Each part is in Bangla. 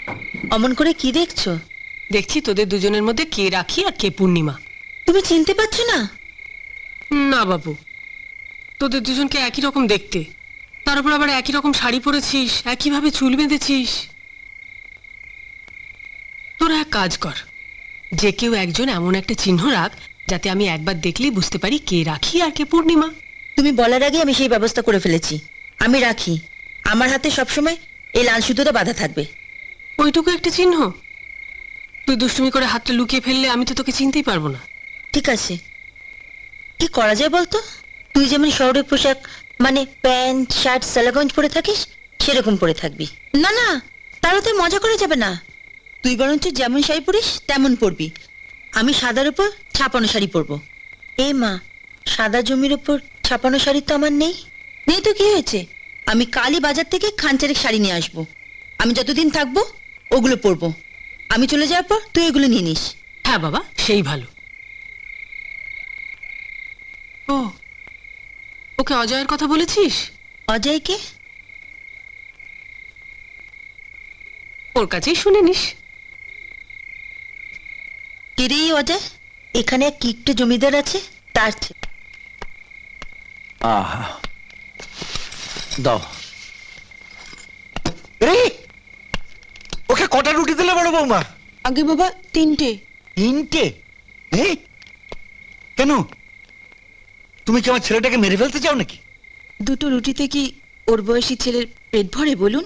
অমন করে কি দেখছো? দেখছি তোদের দুজনের মধ্যে কে রাখি আর কে পূর্ণিমা। তুমি চিনতে পারছো না? না বাবু, তোদের দুজনকে একই রকম দেখতে, তার উপর আবার একই রকম শাড়ি পরেছিস, একইভাবে চুল বেঁধেছিস। তোরা এক কাজ কর, যে কেউ একজন এমন একটা চিহ্ন রাখ যাতে আমি একবার দেখলেই বুঝতে পারি কে রাখি আর কে পূর্ণিমা। তুমি বলার আগে আমি সেই ব্যবস্থা করে ফেলেছি। আমি রাখি, আমার হাতে সবসময় এই লাল সুতোটা বাঁধা থাকবে। ওইটুকু একটা চিহ্ন? তুই দুষ্টুমি করে হাতটা লুকিয়ে ফেললে আমি তো তোকে চিনতেই পারবো না। ঠিক আছে, কি করা যায় বলতো? তুই যেমন শহরের পোশাক মানে প্যান্ট শার্ট সালাগঞ্জ পরে থাকিস সেরকম পরে থাকবি। না না, তাহলে তুই মজা করে যাবে না। তুই বরঞ্চ যেমন শাড়ি পরিস তেমন পরবি। আমি সাদার উপর ছাপানো শাড়ি পরবো। এ মা, সাদা জমির উপর ছাপানো শাড়ি তো আমার নেই। নেই তো কি হয়েছে, আমি কালই বাজার থেকে খানচারেক শাড়ি নিয়ে আসবো। আমি যতদিন থাকবো ওগুলো পরবো। আমি চলে যাওয়ার পর তুই এগুলো নিয়ে নিস। হ্যাঁ বাবা, সেই ভালো। ও, ওকে অজয়ের কথা বলেছিস? অজয়কে? ওর কাছেই শুনে নিস। কেরে অজয়? এখানে এক কিকটে জমিদার আছে, তার ছেলে। আহা, দাও। রে, ওকে কটা রুটি দিলে বড় বৌমা? আগে বাবা, তিনটে। তিনটে? এই, কেন? তুমি কি আমার ছেলেটাকে মেরে ফেলতে চাও নাকি? দুটো রুটিতে কি ওর বয়সী ছেলের পেট ভরে বলুন?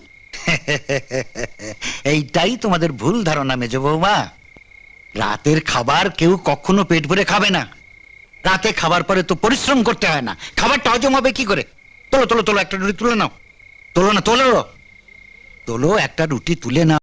এইটাই তোমাদের ভুল ধারণা মেজ বৌমা। রাতের খাবার কেউ কখনো পেট ভরে খাবে না। রাতে খাবার পরে তো পরিশ্রম করতে হয় না, খাবারটা হজম হবে কি করে? তোলো তোলো তোলো, একটা রুটি তুলে নাও। তোলো না, তোলো তোলো, একটা রুটি তুলে নাও।